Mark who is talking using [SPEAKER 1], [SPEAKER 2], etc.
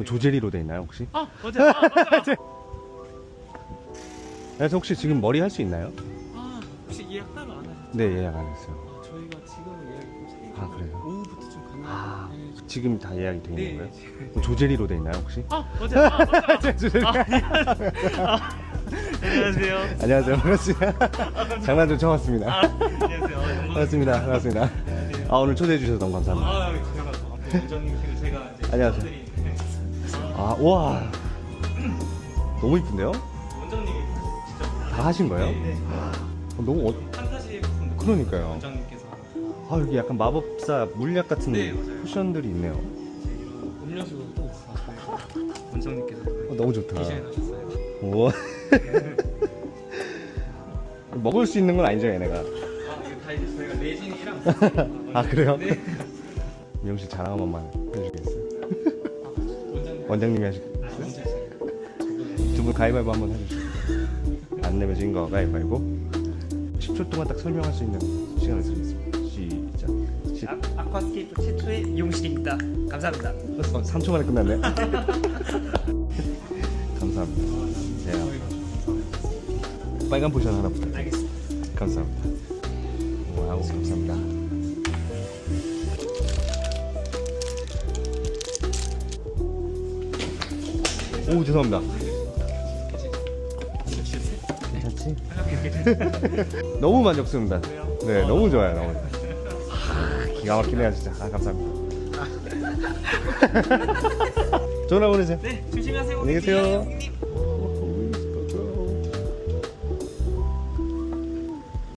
[SPEAKER 1] 조제리로 돼 있나요 혹시?
[SPEAKER 2] 아 맞아요. 맞아요.
[SPEAKER 1] 그래서 혹시 지금 머리 할 수 있나요?
[SPEAKER 2] 아 혹시 예약 따로 안 하셨죠?
[SPEAKER 1] 네, 예약 안 했어요.
[SPEAKER 2] 아, 저희가 지금 예약이 좀
[SPEAKER 1] 아, 그래요?
[SPEAKER 2] 오후부터 좀 가능해요.
[SPEAKER 1] 아,
[SPEAKER 2] 네.
[SPEAKER 1] 지금 다 예약이 돼 있는
[SPEAKER 2] 네,
[SPEAKER 1] 거예요?
[SPEAKER 2] 지금.
[SPEAKER 1] 그럼 조제리로 돼 있나요 혹시?
[SPEAKER 2] 아 맞아요. 맞아요.
[SPEAKER 1] 조제리.
[SPEAKER 2] 안녕하세요.
[SPEAKER 1] 안녕하세요. 반갑습니다. 장난 좀 쳐봤습니다.
[SPEAKER 2] 안녕하세요.
[SPEAKER 1] 반갑습니다. 반갑습니다. 아, 오늘 초대해 주셔서 너무 감사합니다.
[SPEAKER 2] 아 제가 또 원장님께서 제가 이제
[SPEAKER 1] 안녕하세요.
[SPEAKER 2] 드린
[SPEAKER 1] 아, 와, 너무 이쁜데요?
[SPEAKER 2] 원장님이 진짜
[SPEAKER 1] 다 하신 거예요?
[SPEAKER 2] 네.
[SPEAKER 1] 너무
[SPEAKER 2] 판타지 부분
[SPEAKER 1] 그러니까요.
[SPEAKER 2] 원장님께서
[SPEAKER 1] 아, 여기 약간 마법사 물약 같은
[SPEAKER 2] 네, 맞아요.
[SPEAKER 1] 쿠션들이 있네요.
[SPEAKER 2] 이런 음료수도 원장님께서
[SPEAKER 1] 너무 좋다.
[SPEAKER 2] 디자인하셨어요.
[SPEAKER 1] 우와. 먹을 수 있는 건 아니죠, 얘네가.
[SPEAKER 2] 아 이거 다 이제 저희가 레진이랑
[SPEAKER 1] 아, 그래요?
[SPEAKER 2] 네.
[SPEAKER 1] 미용실 자랑 한 번만 해주시겠어요?
[SPEAKER 2] 원장님.
[SPEAKER 1] 원장님이 하시겠어요?
[SPEAKER 2] 원장님.
[SPEAKER 1] 두 분 가위바위보 한번 해주세요. 안 내면 진 거 가위바위보. 10초 동안 딱 설명할 수 있는 시간을 드리겠습니다. 시작.
[SPEAKER 3] 아쿠아스케이프 최초의 미용실입니다. 감사합니다.
[SPEAKER 1] 3초 만에 끝났네. 감사합니다. 제가 빨간 포션 하나 부탁드립니다.
[SPEAKER 3] 알겠습니다.
[SPEAKER 1] 감사합니다. 와우, 감사합니다. 오, 죄송합니다. 괜찮지? 너무 만족스럽습니다. 네, 너무 좋아요. 너무. 기가 막히네요, 진짜. 아, 감사합니다. 전화 보내세요.
[SPEAKER 2] 네 조심하세요.
[SPEAKER 1] 안녕히 계세요.